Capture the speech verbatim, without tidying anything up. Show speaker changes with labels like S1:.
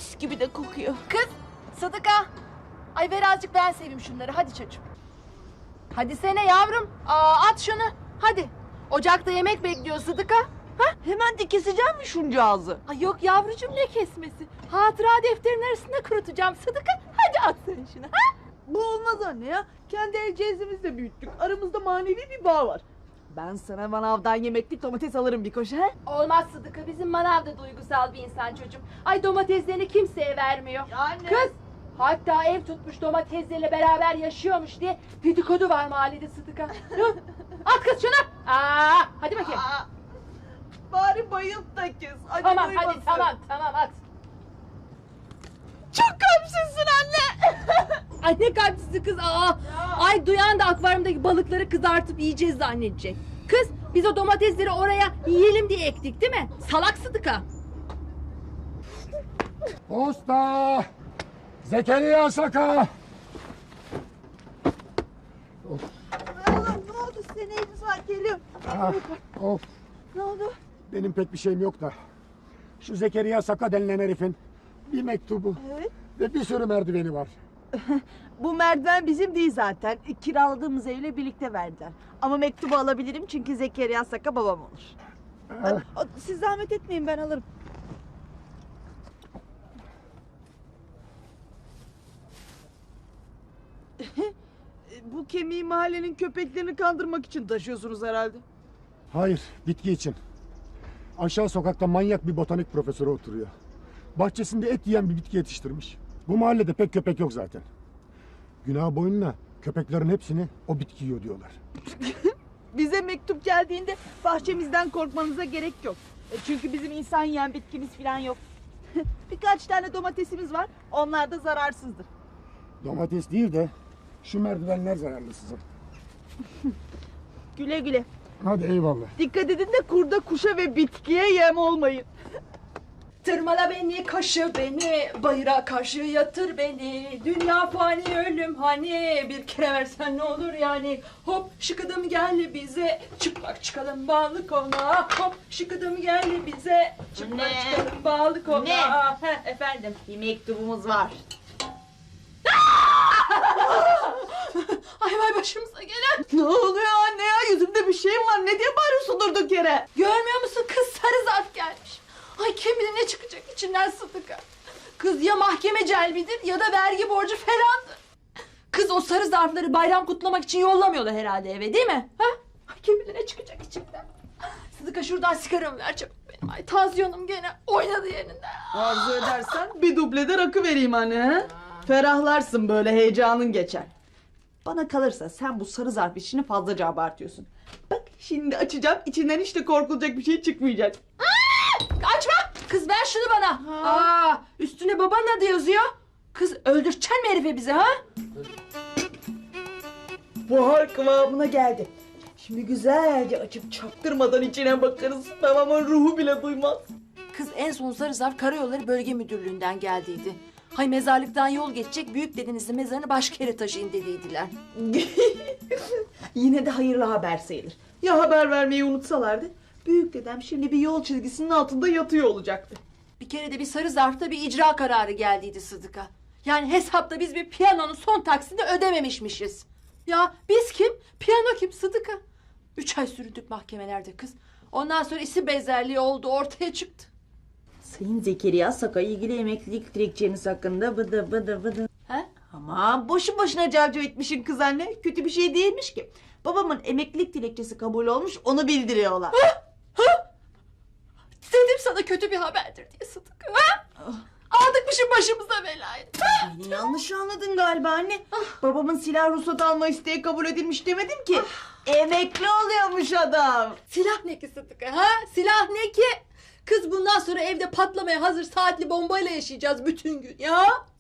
S1: mis gibi de kokuyor.
S2: Kız Sıdıka. Ay ver azıcık ben seveyim şunları hadi çocuğum. Hadi sene yavrum. Aa, at şunu hadi. Ocakta yemek bekliyor Sıdıka. Ha?
S1: Hemen de keseceğim mi şuncağızı?
S2: Ay yok yavrucuğum ne kesmesi. Hatıra defterinin arasında kurutacağım Sıdıka. Hadi at sen şunu ha.
S1: Bu olmaz anne ya. Kendi el cezimizle büyüttük. Aramızda manevi bir bağ var. Ben sana manavdan yemeklik domates alırım bir koşu he?
S2: Olmaz Sıdıka bizim manav da duygusal bir insan çocuğum. Ay domateslerini kimseye vermiyor.
S1: Anne.
S2: Kız hatta ev tutmuş domateslerle beraber yaşıyormuş diye dedikodu var mahallede Sıdıka. Dur, at kız şunu. Aa, hadi bakayım.
S1: Aa, bari bayılt da kes. Acı
S2: Tamam
S1: duymasın.
S2: hadi tamam tamam at.
S1: Çok kalpsizsin anne.
S2: Ay ne kalpsizi kız aa. Ay duyan da akvaryumdaki balıkları kızartıp yiyeceğiz zannedecek. Kız biz o domatesleri oraya yiyelim diye ektik değil mi? Salak Sıdıka.
S3: Posta! Zekeriya Saka!
S1: Allah ne oldu size neyiniz var geliyorum.
S3: Ah, of,
S1: Ne oldu?
S3: benim pek bir şeyim yok da. Şu Zekeriya Saka denilen herifin bir mektubu
S1: Evet.
S3: ve bir sürü merdiveni var.
S1: Bu merdiven bizim değil zaten. Kiraladığımız evle birlikte verdiler. Ama mektubu alabilirim çünkü Zekeriya Saka babam olur.
S3: Ah,
S1: Siz zahmet etmeyin ben alırım. Bu kemiği mahallenin köpeklerini kandırmak için taşıyorsunuz herhalde.
S3: hayır, bitki için. Aşağı sokakta manyak bir botanik profesörü oturuyor. Bahçesinde et yiyen bir bitki yetiştirmiş. Bu mahallede pek köpek yok zaten. Günah boyunla köpeklerin hepsini o bitki yiyor diyorlar.
S1: Bize mektup geldiğinde bahçemizden korkmanıza gerek yok. E, Çünkü bizim insan yiyen bitkimiz falan yok. Birkaç tane domatesimiz var. Onlar da zararsızdır.
S3: Domates değil de şu merdivenler zararlı size.
S1: Güle güle.
S3: Hadi eyvallah.
S1: Dikkat edin de kurda, kuşa ve bitkiye yem olmayın.
S2: Tırmala beni, kaşı beni, bayıra karşı yatır beni. Dünya fani, ölüm hani, bir kere versen ne olur yani. Hop şıkıdım gel bize, çıplak çıkalım bağlı kona. Hop şıkıdım gel bize, çıplak
S1: Ne?
S2: çıkalım bağlı kona.
S1: Ne?
S2: Heh, efendim.
S1: Bir mektubumuz var.
S2: Ay vay başımıza gelen.
S1: Ne oluyor anne ya? Yüzümde bir şey var. Ne diye bağırıyorsun durduk yere?
S2: Görmüyor musun kız sarı zarf gelmiş. Ay kim bilir ne çıkacak içinden Sıdıka. Kız ya mahkeme celbidir ya da vergi borcu falandır. Kız o sarı zarfları bayram kutlamak için yollamıyorlar herhalde eve değil mi? Ha? Ay kim bilir ne çıkacak içinden. Sıdıka şuradan sigaramı ver çabuk benim. Ay tansiyonum gene oynadı yerinden.
S1: Arzu edersen bir dublede rakı vereyim anne. He? Ferahlarsın böyle heyecanın geçer. Bana kalırsa sen bu sarı zarf işini fazlaca abartıyorsun. Bak şimdi açacağım içinden hiç de korkulacak bir şey çıkmayacak.
S2: Açma! Kız ver şunu bana.
S1: Ha.
S2: Aa, üstüne babanın adı yazıyor. Kız öldüreceksin mi herife bizi ha?
S1: Buhar kıvamına geldi. Şimdi güzelce açıp çaktırmadan içine bakarız. Babamın ruhu bile duymaz.
S2: Kız en son sarı zarf Karayolları Bölge Müdürlüğü'nden geldiydi. Hay mezarlıktan yol geçecek büyük dedenizin mezarını başka yere taşıyın dediydiler.
S1: Yine de hayırlı haber sayılır. Ya haber vermeyi unutsalardı? Büyük dedem şimdi bir yol çizgisinin altında yatıyor olacaktı.
S2: Bir kere de bir sarı zarfta bir icra kararı geldiydi Sıdıka. Yani hesapta biz bir piyanonun son taksini ödememişmişiz. Ya biz kim? Piyano kim Sıdıka? Üç ay süründük mahkemelerde kız. Ondan sonra isim benzerliği oldu ortaya çıktı.
S1: Sayın Zekeriya Saka ilgili emeklilik dilekçeniz hakkında bıdı bıdı bıdı.
S2: He?
S1: Aman boşu boşuna cavcav etmişin kız anne. Kötü bir şey değilmiş ki. Babamın emeklilik dilekçesi kabul olmuş onu bildiriyorlar.
S2: Dedim sana kötü bir haberdir diye Sıdıka. Ha? Aldıkmışım başımıza belayı. Ha?
S1: Beni yanlış anladın galiba anne. Babamın silah ruhsat alma isteği kabul edilmiş demedim ki. Emekli oluyormuş adam.
S2: Silah ne ki Sıdıka ha? Silah ne ki? Kız bundan sonra evde patlamaya hazır saatli bombayla yaşayacağız bütün gün ya.